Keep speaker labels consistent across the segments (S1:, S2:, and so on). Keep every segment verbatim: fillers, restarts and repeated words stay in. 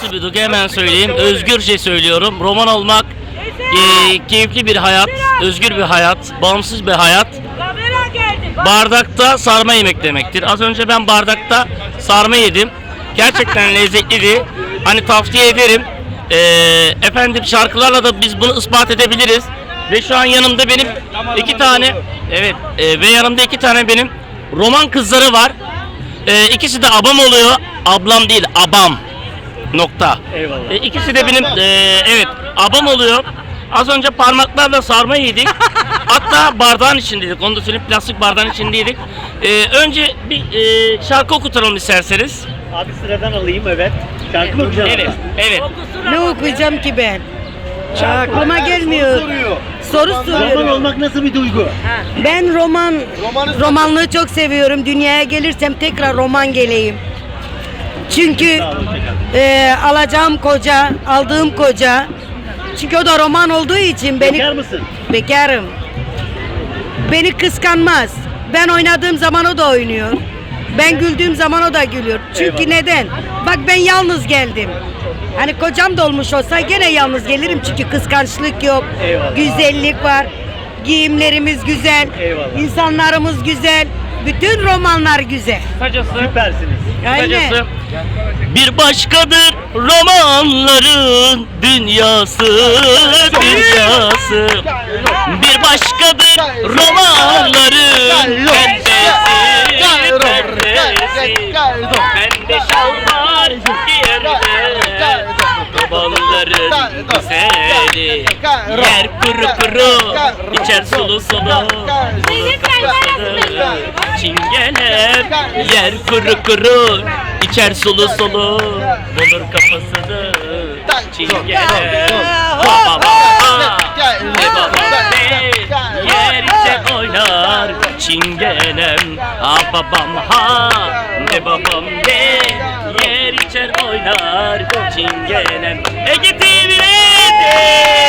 S1: Nasıl bir duygu hemen söyleyeyim. Özgürce söylüyorum. Roman olmak e, keyifli bir hayat, özgür bir hayat, bağımsız bir hayat. Bardakta sarma yemek demektir. Az önce ben bardakta sarma yedim. Gerçekten lezzetliydi. Hani tavsiye ederim. E, efendim şarkılarla da biz bunu ispat edebiliriz. Ve şu an yanımda benim iki tane, evet e, ve yanımda iki tane benim roman kızları var. E, ikisi de abam oluyor. Ablam değil, abam. Nokta.
S2: Eyvallah.
S1: E, ikisi de benim, e, evet, abam oluyor. Az önce parmaklarla sarma yedik. Hatta bardağın içindeydik. Onu da söyleyeyim, plastik bardağın içindeydik. E, önce bir e, şarkı okutalım isterseniz.
S2: Abi sıradan alayım, evet. Şarkı mı okuyacağım?
S1: Evet, evet.
S3: Ne okuyacağım ki ben? Aklıma gelmiyor.
S2: Soruyor.
S3: Soru
S2: Roman
S3: soruyorum.
S2: olmak nasıl bir duygu?
S3: Ben roman, romanlığı çok seviyorum. Dünyaya gelirsem tekrar roman geleyim. Çünkü
S2: Sağ olun, tekrar.
S3: e, alacağım koca, aldığım koca. Çünkü o da roman olduğu için beni
S2: Bekar mısın?
S3: bekarım. Beni kıskanmaz. Ben oynadığım zaman o da oynuyor. Ben güldüğüm zaman o da gülüyor. Çünkü
S2: Eyvallah.
S3: neden? Bak ben yalnız geldim. Hani kocam da olmuş olsa gene yalnız gelirim çünkü kıskançlık yok.
S2: Eyvallah.
S3: Güzellik var. Giyimlerimiz güzel.
S2: Eyvallah.
S3: İnsanlarımız güzel. Bütün romanlar güzel.
S1: Kısacası,
S2: Süpersiniz.
S3: Aynen.
S1: kısacası bir başkadır romanların dünyası, dünyası. Bir başkadır romanların perdesi, perdesi. Bende şal var yerde, babaların güzeli. Yer kuru kuru, içer sulu sulu. Çingenem, yer kuru kuru, içer sulu sulu. Bulur kafasını çingenem. Baba baba, ne baba ne, yer içer oynar çingenem. Ha babam ha, ne babam ne, yer içer oynar çingenem. Ege T V'de.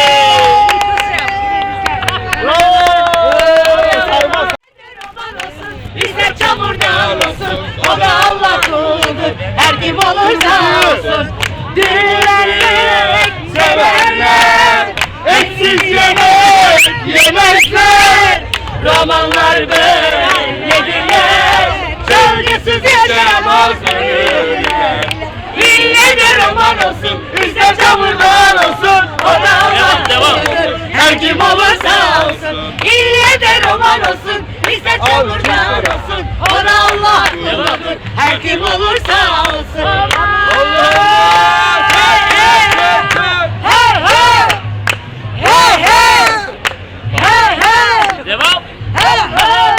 S3: Bizde çamurdan olsun, o da Allah kuludur. Her kim olursa olsun, dürülerek severler. Eksiz yemek yemezler, romanlar böyledirler. Gölgesiz yaşayamaz ölürler. İlle de roman olsun, bizde çamurdan olsun, o da Allah kuludur. Her kim olursa olsun, ille de roman olsun, bizde çamurdan olsun, o da Allah kuludur. Her kim olursa olsun. Allah! Hey hey! Hey hey! Hey hey! Hey hey!
S1: Devam.
S3: Hey hey!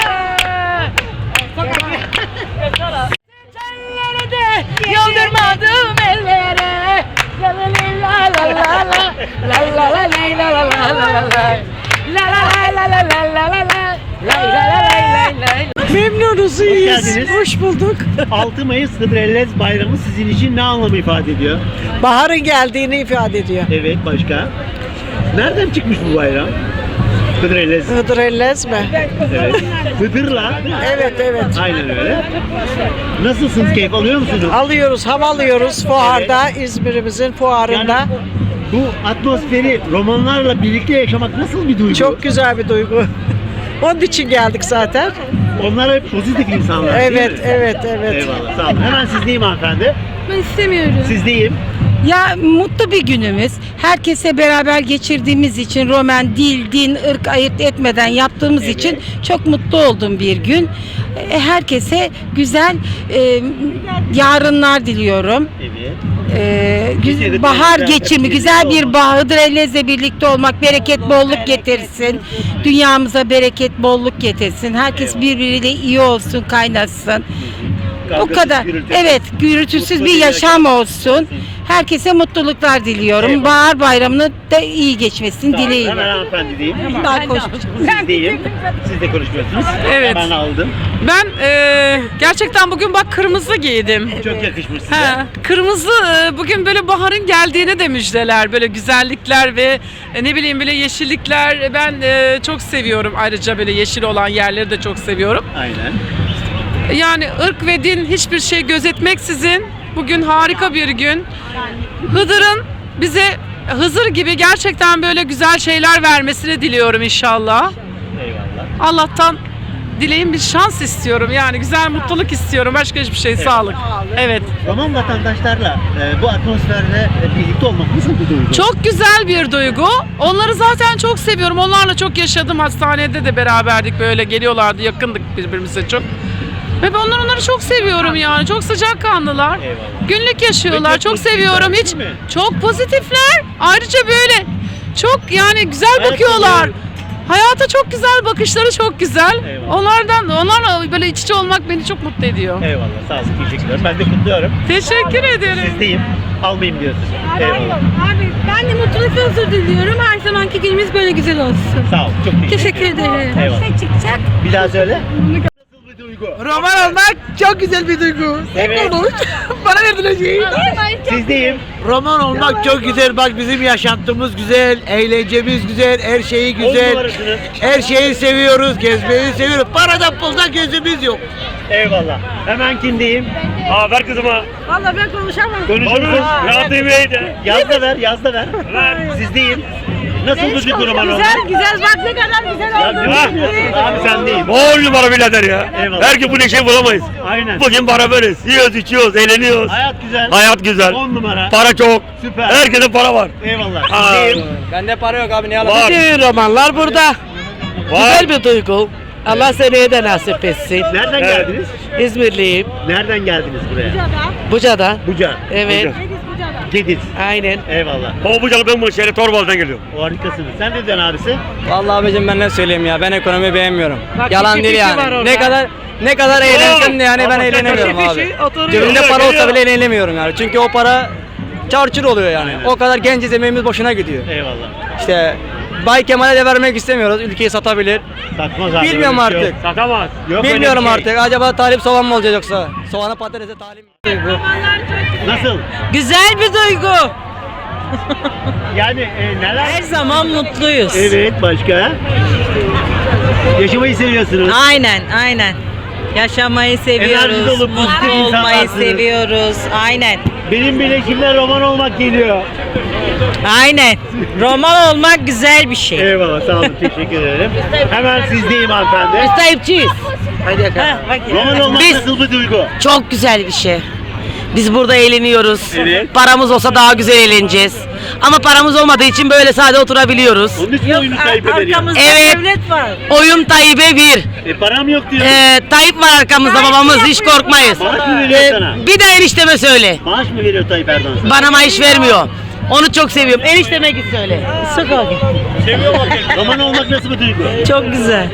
S3: Çenleri de yıldırmadım ellere. La la la la la la la la la la la la la la la la. La la la la la la la la la. La la la la la la. Memnunuz, iyiyiz.
S2: geldiniz.
S3: Hoş bulduk.
S2: altı Mayıs Hıdrellez Bayramı sizin için ne anlamı ifade ediyor?
S3: Baharın geldiğini ifade ediyor.
S2: Evet, başka? Nereden çıkmış bu bayram? Hıdrellez.
S3: Hıdrellez mi?
S2: Evet. Hıdırla.
S3: Evet evet.
S2: Aynen öyle. Nasılsınız? Keyif alıyor musunuz?
S3: Alıyoruz, hava alıyoruz fuarda, İzmir'imizin fuarında.
S2: Yani bu atmosferi romanlarla birlikte yaşamak nasıl bir duygu?
S3: Çok güzel bir duygu. Onun için geldik zaten.
S2: Onlar hep pozitif insanlar değil
S3: Evet,
S2: mi?
S3: evet, evet.
S2: Eyvallah, sağ olun. Hemen sizdeyim hanımefendi.
S4: Ben istemiyorum.
S2: Sizdeyim.
S4: Ya mutlu bir günümüz. Herkese beraber geçirdiğimiz için Roman, dil, din, ırk ayırt etmeden yaptığımız
S2: Evet.
S4: için çok mutlu olduğum bir gün. E, Herkese güzel e, yarınlar diliyorum.
S2: Evet.
S4: E,
S2: Biz de
S4: güz- bahar
S2: güzel-
S4: geçimi,
S2: güzel
S4: güzel bir
S2: olmak.
S4: bahar, Hıdrellez'le birlikte olmak, bereket, bolluk getirsin. Dünyamıza bereket, bolluk getirsin. Herkes
S2: Eyvallah.
S4: birbiriyle iyi olsun, kaynasın. O
S2: Kavgasız,
S4: kadar.
S2: gürültüsüz.
S4: Evet, gürültüsüz
S2: Mutlu
S4: bir
S2: bir
S4: yaşam
S2: yaşam
S4: olsun. Herkese mutluluklar diliyorum.
S2: Eyvallah.
S4: Bahar bayramını da iyi geçmesini
S2: Sağ olun.
S4: dileğiyle.
S2: Hemen hanımefendi diyeyim.
S4: Ben konuşmayacağım.
S2: Sizdeyim. Siz de konuşmuyorsunuz.
S5: Evet.
S2: Ben aldım.
S5: Ben e, gerçekten bugün bak kırmızı giydim.
S2: Çok yakışmış size.
S5: Ha, kırmızı e, bugün böyle baharın geldiğine de müjdeler. Böyle güzellikler ve e, ne bileyim böyle yeşillikler. Ben e, çok seviyorum. Ayrıca böyle yeşil olan yerleri de çok seviyorum.
S2: Aynen.
S5: Yani ırk ve din hiçbir şey gözetmeksizin bugün harika bir gün. Hıdır'ın bize Hızır gibi gerçekten böyle güzel şeyler vermesini diliyorum inşallah.
S2: Eyvallah.
S5: Allah'tan dileğim bir şans istiyorum. Yani güzel mutluluk istiyorum. Başka hiçbir şey. Sağlık. Evet.
S2: Roman vatandaşlarla e, bu atmosferde e, birlikte olmak nasıl bir duygu?
S5: Çok güzel bir duygu. Onları zaten çok seviyorum. Onlarla çok yaşadım. Hastanede de beraberdik. Böyle geliyorlardı. Yakındık birbirimize çok. Ve ben onları çok seviyorum yani. Çok sıcakkanlılar.
S2: Eyvallah.
S5: Günlük yaşıyorlar.
S2: Ve çok
S5: Çok
S2: pozitifler,
S5: seviyorum.
S2: değil
S5: Hiç
S2: mi?
S5: çok pozitifler. Ayrıca böyle çok yani güzel
S2: Hayat
S5: bakıyorlar.
S2: dolu.
S5: Hayata çok güzel, bakışları çok güzel.
S2: Eyvallah.
S5: Onlardan, onlarla böyle iç içe olmak beni çok mutlu ediyor.
S2: Eyvallah. Sağ olsun. Teşekkür ederim. Ben de kutluyorum.
S5: Teşekkür ederim.
S2: Sizdeyim. Almayayım diyorsun. Eyvallah.
S4: Abi ben de mutluluk ve huzur diliyorum. Her zamanki günümüz böyle güzel olsun.
S2: Sağ ol. Çok teşekkür,
S4: Teşekkür ederim.
S2: Eyvallah.
S4: Ne çıkacak?
S2: Bir daha söyle. Nasıl bir duygu?
S6: Roman olmak çok güzel bir duygu.
S2: Evet.
S6: Bana verdiler şeyi.
S2: Sizdeyim.
S6: Roman olmak çok güzel. Bak bizim yaşantımız güzel, eğlencemiz güzel, her şeyi
S2: On
S6: güzel.
S2: numarasınız.
S6: Her şeyi seviyoruz, gezmeyi seviyoruz. Paradan puldan gözümüz yok.
S2: Eyvallah. Hemen kindeyim.
S7: Aa ver kızıma.
S4: Vallahi ben konuşamam.
S2: Konuşuruz.
S7: Rahat de.
S2: Yaz da ver, yaz da ver. Sizdeyim. Nasıl bir duygu roman olmak?
S4: Güzel güzel bak ne kadar güzel
S2: Ya,
S4: oldu.
S2: değil mi? Abi sen değil.
S7: On numara birader ya.
S2: Eyvallah.
S7: Belki bu neşeyi bulamayız.
S2: Aynen.
S7: Bugün beraberiz. Yiyoruz, içiyoruz, eğleniyoruz.
S2: Hayat güzel.
S7: Hayat güzel.
S2: On numara.
S7: Para çok.
S2: Süper.
S7: Herkese para var.
S2: Eyvallah.
S7: Aa,
S2: Sizdeyim.
S6: Bende para yok abi, ne
S7: Var.
S6: Bütün romanlar burada.
S7: Var.
S6: Güzel bir duygu. Allah seneye de nasip etsin.
S2: Nereden
S7: Evet.
S2: geldiniz?
S6: İzmirliyim.
S2: Nereden geldiniz buraya?
S6: Buca'dan.
S2: Buca.
S6: Evet.
S7: Buca.
S2: Gediz.
S6: Aynen.
S2: Eyvallah.
S7: O bucalı ben bu şehre Torbalı'dan geliyorum.
S2: O harikasınız. Sen ne diyorsun abisi?
S8: Vallahi abicim ben ne söyleyeyim ya, ben ekonomi beğenmiyorum. Yalan
S6: iki
S8: değil
S6: kişi var
S8: yani.
S6: orada.
S8: Ne kadar ne kadar eğlensem de yani ben
S7: Ama sen
S8: eğlenemiyorum
S6: iki
S8: abi.
S6: kişi oturuyor.
S8: Cebimde
S7: Geliyor,
S8: para olsa
S7: geliyor.
S8: bile eğlenemiyorum yani. Çünkü o para çarçur oluyor yani.
S2: Aynen.
S8: O kadar genciz, emeğimiz boşuna gidiyor.
S2: Eyvallah.
S8: İşte Bay Kemal'e de vermek istemiyoruz. Ülkeyi satabilir.
S2: Satmaz abi.
S8: Bilmiyorum
S2: öyle bir şey
S8: artık.
S2: yok.
S7: Satamaz.
S2: Yok öyle
S8: Bilmiyorum
S2: bir şey.
S8: artık. Acaba talip soğan mı olacak yoksa? Soğana patatese talip mi?
S2: Nasıl?
S9: Güzel bir duygu.
S2: Yani e, neler?
S9: Her zaman mutluyuz.
S2: Evet, başka? Yaşamayı seviyorsunuz.
S9: Aynen, aynen. Yaşamayı seviyoruz.
S2: Enerji dolu, pozitif
S9: Mutlu olmayı
S2: insanlarsınız.
S9: seviyoruz. Aynen.
S2: Benim bile kimler roman olmak geliyor.
S9: Aynen. Roman olmak güzel bir şey.
S2: Eyvallah, sağ olun, teşekkür ederim. Hemen sizdeyim hanımefendi.
S9: Müstahipçiyiz.
S2: Roman olmak
S9: Biz-
S2: nasıl bir duygu?
S9: Çok güzel bir şey. Biz burada eğleniyoruz.
S2: Evet.
S9: Paramız olsa daha güzel eğleneceğiz. Ama paramız olmadığı için böyle sade oturabiliyoruz.
S2: Onun için oyunu kaybederiyor.
S9: Evet. Oyun Tayyip'e bir.
S2: E, param yok diyor.
S9: Ee, Tayyip var arkamızda babamız, hiç korkmayız.
S2: Maaş mı veriyor
S9: Ee,
S2: sana?
S9: bir de enişteme söyle.
S2: Maaş mı veriyor Tayyip Erdoğan sana?
S9: Bana maaş vermiyor. Onu çok seviyorum. Enişteme git söyle. Sık
S2: Seviyor mu? Roman olmak nasıl bir duygu?
S9: Çok güzel.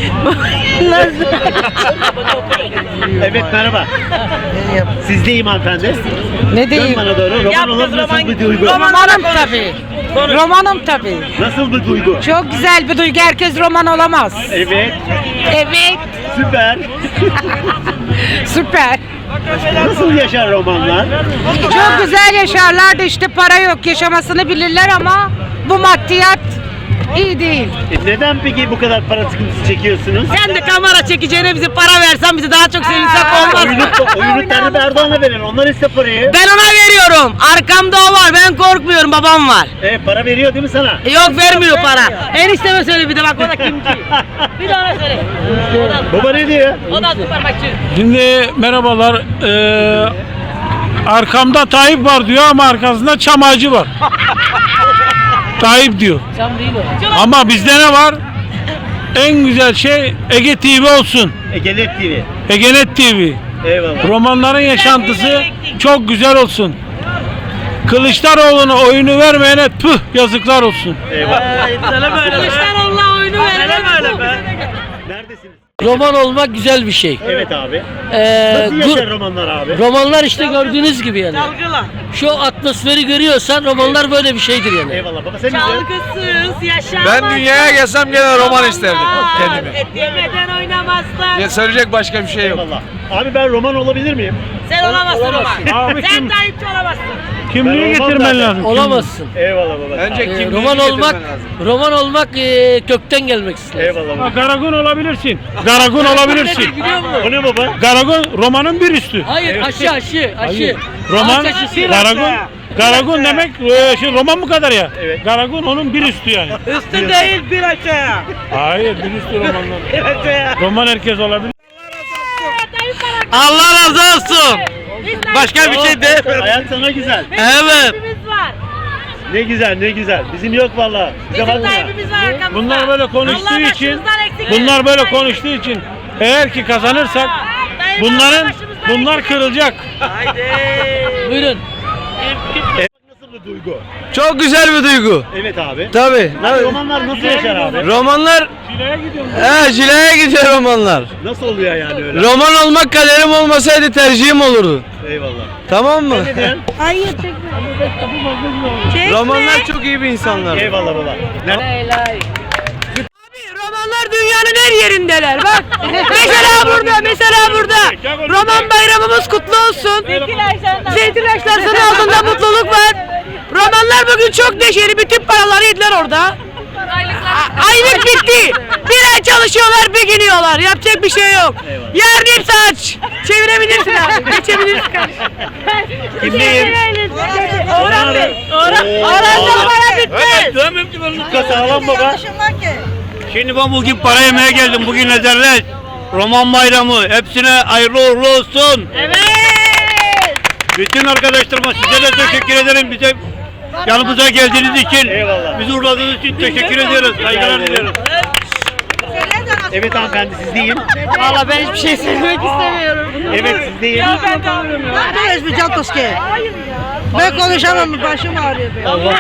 S2: Evet, merhaba. Sizdeyim hanımefendi.
S4: Ne
S2: Dön bana doğru. Roman olmak nasıl bir duygu?
S4: Romanım tabii. Romanım tabii.
S2: Nasıl bir duygu?
S4: Çok güzel bir duygu. Herkes roman olamaz.
S2: Evet,
S4: Evet.
S2: süper.
S4: Süper.
S2: Nasıl yaşar romanlar?
S4: Çok güzel yaşarlar da işte para yok. Yaşamasını bilirler ama bu maddiyat iyi değil.
S2: E, neden peki bu kadar para sıkıntısı çekiyorsunuz?
S9: Sen de kamera çekeceğine bize para versen bizi daha çok sevinsek olmaz
S2: Oyunu,
S9: mı?
S2: oyunu Tayyip Erdoğan'a verin. Onlar iste parayı.
S9: Ben ona veriyorum. Arkamda o var. Ben korkmuyorum. Babam var.
S2: E, para veriyor değil mi sana?
S9: E, Yok vermiyor para. Enişteme söyle bir de bak o da kimci. Bir de ona söyle.
S2: Baba ne diyor?
S9: O da süpermarketçi.
S10: Şimdi merhabalar. Ee, arkamda Tayyip var diyor ama arkasında çam ağacı var. Tayyip diyor.
S9: Cam değil o.
S10: Ama bizde ne var? En güzel şey Ege T V olsun.
S2: Egenet T V.
S10: Egenet T V.
S2: Eyvallah.
S10: Romanların yaşantısı çok güzel olsun. Kılıçdaroğlu'na oyunu vermeyene püh yazıklar olsun.
S2: Eyvallah.
S9: Kılıçdaroğlu'na oyunu verelim.
S2: Neredesiniz?
S11: Roman olmak güzel bir şey.
S2: Evet abi.
S11: Ee,
S2: Nasıl
S11: gu-
S2: yaşar romanlar abi?
S11: romanlar işte gördüğünüz gibi yani. Şu atmosferi görüyorsan romanlar böyle bir şeydir yani.
S2: Eyvallah baba sen ne diyorsun?
S9: Çalgısız yaşamak.
S6: Ben dünyaya gelsem gene roman isterdim kendime.
S9: Et yemeden oynamazlar.
S6: Ya söyleyecek başka bir şey yok.
S2: Eyvallah. Abi ben roman olabilir miyim?
S9: Sen olamazsın Roman.
S10: Abi
S9: Sen
S10: kim,
S9: Tayyipçi olamazsın.
S10: kimliği
S2: Ben olmam
S10: getirmen
S2: zaten.
S10: lazım.
S11: Olamazsın.
S2: Eyvallah baba.
S6: Önce
S11: Ee,
S6: kimliğini
S11: roman
S6: getirmen
S11: olmak,
S6: lazım.
S11: roman olmak e, kökten gelmek ister.
S2: Eyvallah baba.
S10: Ha, Garagun olabilirsin. Garagun olabilirsin.
S2: O ne baba?
S10: Garagun romanın bir üstü.
S11: Hayır aşı aşı aşı.
S10: Roman,
S11: Ağaç aşısı.
S10: Garagun Garagun demek e, şey, roman mı kadar ya?
S2: Evet.
S10: Garagun onun bir üstü yani.
S9: Üstü değil bir aşağıya.
S10: Hayır bir üstü romanlar.
S9: Bir aşağıya.
S10: Roman herkes olabilir.
S6: Allah razı olsun. Başka bir şey değil.
S2: Hayat sana güzel.
S6: Evet.
S2: Ne güzel ne güzel. Bizim yok vallahi. Bize bakma.
S10: Bunlar böyle konuştuğu için, bunlar böyle konuştuğu için eğer ki kazanırsak bunların bunlar kırılacak.
S11: Buyurun.
S2: Nasıl bir duygu?
S6: Çok güzel bir duygu.
S2: Evet abi.
S6: Tabii.
S2: Abi romanlar nasıl yaşar abi?
S6: Romanlar
S10: Çileğe gidiyorum.
S6: He, Cile'ye gidiyor romanlar.
S2: Nasıl oluyor yani öyle?
S6: Roman olmak kaderim olmasaydı tercihim olurdu.
S2: Eyvallah.
S6: Tamam mı?
S2: Ne diyorsun?
S4: Hayır çekme.
S6: Romanlar çok iyi bir insanlar.
S2: Eyvallah baba. Nerede?
S9: Romanlar dünyanın her yerindeler bak. Mesela burada, mesela burada. Roman bayramımız kutlu olsun. Zeytin ağaçlarının altında mutluluk var. Romanlar bugün çok neşeli, bütün paraları yediler orada. A- Aylık bitti. Bir ay çalışıyorlar, bir gülüyorlar. Yapacak bir şey yok. Yarın hepsi aç. Çevirebilirsin abi, geçebilirsin kardeşim.
S2: Kimdeyim?
S9: Orhan Bey. Orhan. Orhan'da para bitti.
S7: Dövmem ki ben.
S2: Dikkat sağlam baba.
S7: Şimdi ben bugün para yemeye geldim. Bugün ezerler. Roman bayramı. Hepsine hayırlı uğurlu olsun.
S9: Evet.
S7: Bütün arkadaşlarıma size de teşekkür ederim. Bize yanımıza geldiğiniz için.
S2: Eyvallah.
S7: Bizi uğurladığınız için teşekkür ediyoruz. Saygılar diliyoruz.
S2: Evet hanımefendi sizdeyim.
S9: Valla ben hiçbir şey söylemek istemiyorum.
S2: Evet sizdeyim.
S9: Ben hiçbir Cantoski. Ben konuşamam, başım ağrıyor benim.
S2: Allah.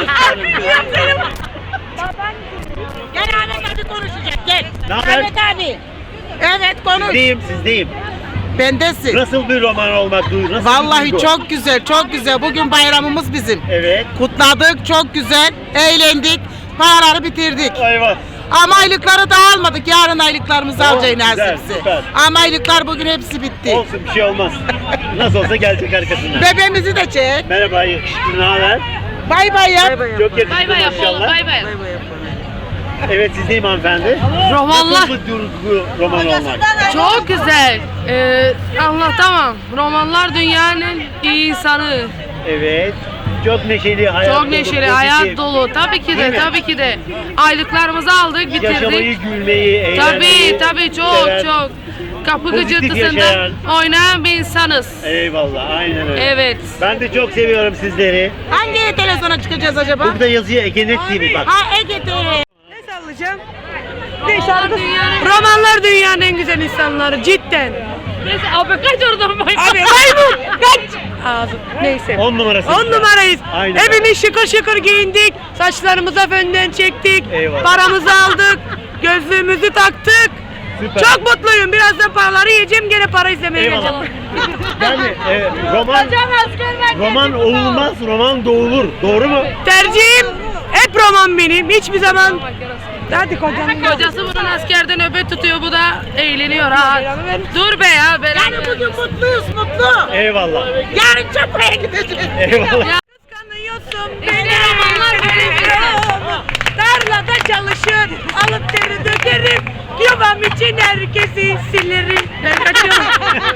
S3: Gel Ahmet abi konuşacak gel.
S2: Ne haber?
S3: Ahmet abi.
S9: Evet konuş.
S2: Sizdeyim sizdeyim.
S9: Bendesin.
S2: Nasıl bir roman olmak duygu? Nasıl bir
S9: Vallahi
S2: duygu?
S9: çok güzel, çok güzel. Bugün bayramımız bizim.
S2: Evet.
S9: Kutladık, çok güzel. Eğlendik, paraları bitirdik.
S2: Eyvah.
S9: Ama aylıkları da almadık. Yarın aylıklarımızı
S2: Oh,
S9: alacağız
S2: güzel,
S9: nasipse.
S2: süper.
S9: Ama aylıklar bugün hepsi bitti.
S2: Olsun bir şey olmaz. Nasıl olsa gelecek arkasından.
S9: Bebeğimizi de çek.
S2: Merhaba yakışıklı ne haber?
S9: Bay bay yap.
S2: Çok yakışıklı maşallah.
S5: bay bay.
S2: Evet sizdeyim hanımefendi.
S5: Romanlar
S2: Nasıl bir duygu roman olmak?
S5: çok güzel. Ee, anlatamam. Romanlar dünyanın iyi insanı.
S2: Evet. Çok neşeli hayat
S5: Çok
S2: dolu,
S5: neşeli,
S2: pozitif.
S5: hayat dolu. Tabii ki
S2: Değil
S5: de,
S2: mi?
S5: tabii ki de. Aylıklarımızı aldık,
S2: Yaşamayı,
S5: bitirdik.
S2: gülmeyi, eğlenmeyi
S5: Tabii, tabii çok
S2: seven.
S5: çok. Kapı
S2: Pozitif
S5: gıcırtısında
S2: yaşayan.
S5: oynayan bir insanız.
S2: Eyvallah aynen öyle.
S5: Evet.
S2: Ben de çok seviyorum sizleri.
S9: Hangi televizyona çıkacağız acaba?
S2: Burada yazıyor Egenet T V bak.
S9: Ha Ege T V. Ne sallayacağım? Ne şarkı? Romanlar dünyanın en güzel insanları cidden.
S5: Neyse abi kaç oradan bay.
S9: Abi maymun kaç. Ağzım. Neyse.
S2: On numarası.
S9: On numarayız.
S2: Aynen.
S9: Hepimiz şıkır şıkır giyindik. Saçlarımıza fönden çektik.
S2: Eyvallah.
S9: Paramızı aldık. Gözlüğümüzü taktık.
S2: Süper.
S9: Çok mutluyum. Birazdan paraları yiyeceğim. Gene para izlemeye
S2: Eyvallah.
S9: geleceğim.
S2: Yani e, roman roman olmaz, roman doğulur. Doğru mu?
S9: Tercihim hep roman benim. Hiçbir zaman. Hadi kocam.
S5: Kocası bunun askerden nöbet tutuyor, bu da eğleniyor ha. Dur be ya.
S9: Yani bugün mutluyuz, mutlu.
S2: Eyvallah.
S9: Yarın çapaya gideceğiz.
S2: Eyvallah.
S9: Kıskanıyorsun beni. Romanlar tarlada çalışır. Alıp teri dökerim. Yuvam için herkesi silerim. Ben kaçıyorum.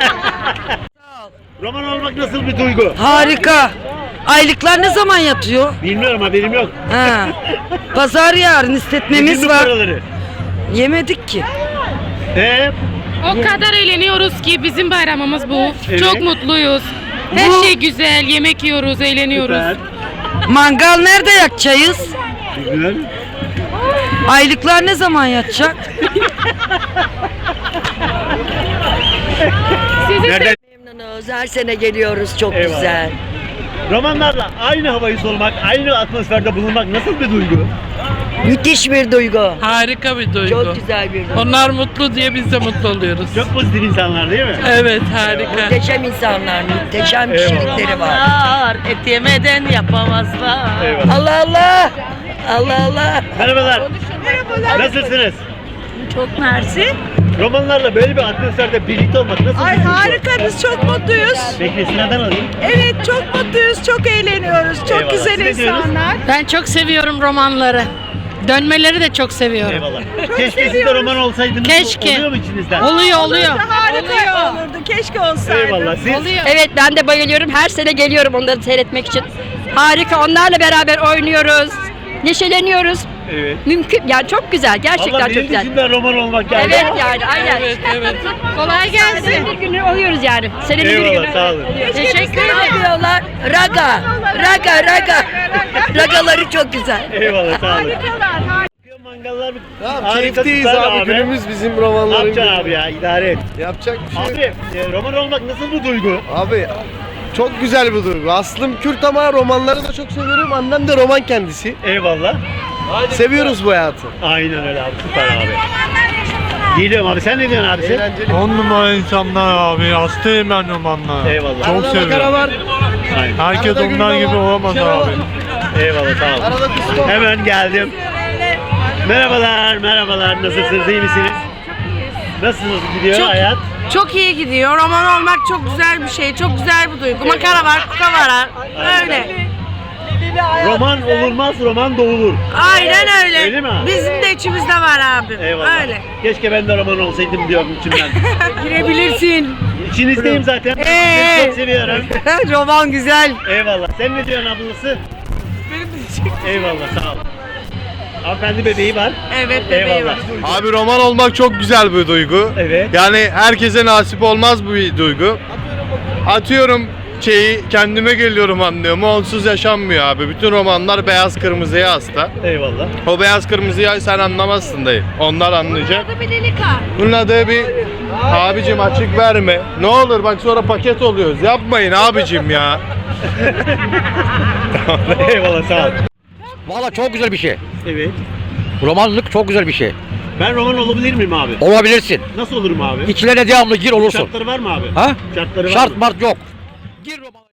S2: Roman olmak nasıl bir duygu?
S9: Harika. Aylıklar ne zaman yatıyor?
S2: Bilmiyorum haberim yok.
S9: Ha. Pazar yarın
S2: Yedin
S9: istetmemiz
S2: mi
S9: var.
S2: paraları?
S9: Yemedik ki.
S2: He?
S5: O kadar eğleniyoruz ki bizim bayramımız bu.
S2: Evet.
S5: Çok mutluyuz. Her
S9: Bu-
S5: şey güzel, yemek yiyoruz, eğleniyoruz.
S2: Süper.
S9: Mangal nerede yakacağız?
S2: Güzel.
S9: Aylıklar ne zaman yatacak?
S2: Nereden?
S3: Memnunuz her sene geliyoruz çok
S2: Eyvallah.
S3: güzel.
S2: Romanlarla aynı havayı solumak, aynı atmosferde bulunmak nasıl bir duygu?
S3: Müthiş bir duygu.
S11: Harika bir duygu.
S3: Çok güzel bir duygu.
S11: Onlar mutlu diye biz de mutlu oluyoruz.
S2: Çok pozitif insanlar değil mi?
S11: Evet, harika.
S3: Muhteşem insanlar, muhteşem
S2: Eyvallah.
S3: kişilikleri var.
S9: Et yemeden yapamazlar.
S2: Eyvallah.
S3: Allah Allah. Allah Allah.
S2: Merhabalar. Nasılsınız?
S9: Çok mersi.
S2: Romanlarla böyle bir atmosferde birlikte olmak nasıl bir
S9: Ay
S2: duygu?
S9: harika, biz çok mutluyuz.
S2: Peki sırada alayım.
S9: Evet çok mutluyuz, çok eğleniyoruz. Çok
S2: Eyvallah.
S9: güzel
S2: Siz ne diyorsunuz?
S9: insanlar.
S5: Ben çok seviyorum romanları. Dönmeleri de çok seviyorum.
S2: Eyvallah. Keşke siz de roman olsaydınız.
S5: Keşke.
S2: Oluyor mu içinizden?
S5: Oluyor, oluyor.
S9: Harika olurdu, keşke olsaydı.
S2: Eyvallah. Siz
S5: Oluyor.
S3: Evet ben de bayılıyorum. Her sene geliyorum onları seyretmek için.
S9: Harika. Onlarla beraber oynuyoruz. Neşeleniyoruz.
S2: Evet.
S9: Mümkün. Yani çok güzel. Gerçekten
S2: Valla
S9: çok
S2: benim
S9: güzel.
S2: içimden roman olmak geldi.
S9: Evet yani aynen.
S11: Evet, evet.
S9: Kolay gelsin. Senenin bir günü oluyoruz yani. Senenin bir
S2: Eyvallah,
S9: günü.
S2: sağ olun.
S9: Teşekkür ederim.
S3: Diyorlar. Raga. Raga raga. Ragaları çok güzel.
S2: Eyvallah sağ olun. Mangallar bir harika
S6: Keyifteyiz
S2: süper
S6: abi. Günümüz bizim
S2: Ne
S6: romanların
S2: yapacaksın
S6: günü.
S2: abi ya idare et.
S6: Yapacak bir şey yok.
S2: Abi e, roman olmak nasıl bir duygu?
S6: Abi çok güzel bir duygu. Aslım Kürt ama romanları da çok seviyorum. Annem de roman kendisi.
S2: Eyvallah.
S6: Seviyoruz bu hayatı.
S2: Aynen öyle abi süper abi. Geliyorum abi sen ne diyorsun abisi?
S6: Eğlenceli.
S10: On numara insanlar abi. Hastayım ben romanlara.
S2: Eyvallah.
S10: Çok
S6: Arada makara
S10: seviyorum.
S6: var.
S2: Aynen.
S10: Herkes
S6: Arada
S10: onlar
S6: gülme
S10: gibi
S6: var,
S10: olamaz
S6: şaka
S10: abi.
S6: var.
S2: Eyvallah sağ olun.
S6: Arada kusma.
S2: Hemen geldim. Merhabalar, merhabalar. Nasılsınız, iyi misiniz? Nasılsınız, gidiyor
S9: Çok-
S2: hayat?
S9: Çok iyi gidiyor. Roman olmak çok güzel bir şey. Çok güzel bir duygu. Makara var, kuka var. Öyle.
S2: Roman olurmaz, roman doğulur.
S9: Aynen öyle.
S2: Öyle mi abi?
S9: Bizim de içimizde var abi.
S2: Eyvallah.
S9: Öyle.
S2: Keşke ben de roman olsaydım diyorum içimden.
S9: Girebilirsin.
S2: İçinizdeyim zaten.
S9: Ee?
S2: Sizi çok seviyorum.
S9: Roman güzel.
S2: Eyvallah. Sen ne diyorsun ablası? Eyvallah, sağ ol. Hanımefendi bebeği var.
S9: Evet,
S2: Eyvallah.
S6: Abi roman olmak çok güzel bir duygu.
S2: Evet.
S6: Yani herkese nasip olmaz bu bir duygu. Atıyorum şeyi kendime geliyorum anlıyorum. Onsuz yaşanmıyor abi. Bütün romanlar beyaz kırmızıya hasta.
S2: Eyvallah.
S6: O beyaz kırmızıyı sen anlamazsın dayı. Onlar anlayacak.
S9: Bir delika.
S6: Bunun adı bir abicim açık verme. Ne olur bak sonra paket oluyoruz. Yapmayın abicim ya.
S2: Eyvallah, sağ ol.
S8: Valla çok güzel bir şey.
S2: Evet.
S8: Romanlık çok güzel bir şey.
S2: Ben roman olabilir miyim abi?
S8: Olabilirsin.
S2: Nasıl olurum abi?
S8: İçlerine devamlı gir olursun.
S2: Şartları var mı abi?
S8: Ha?
S2: Şartları var
S8: Şart
S2: mı?
S8: mart yok. Gir romana.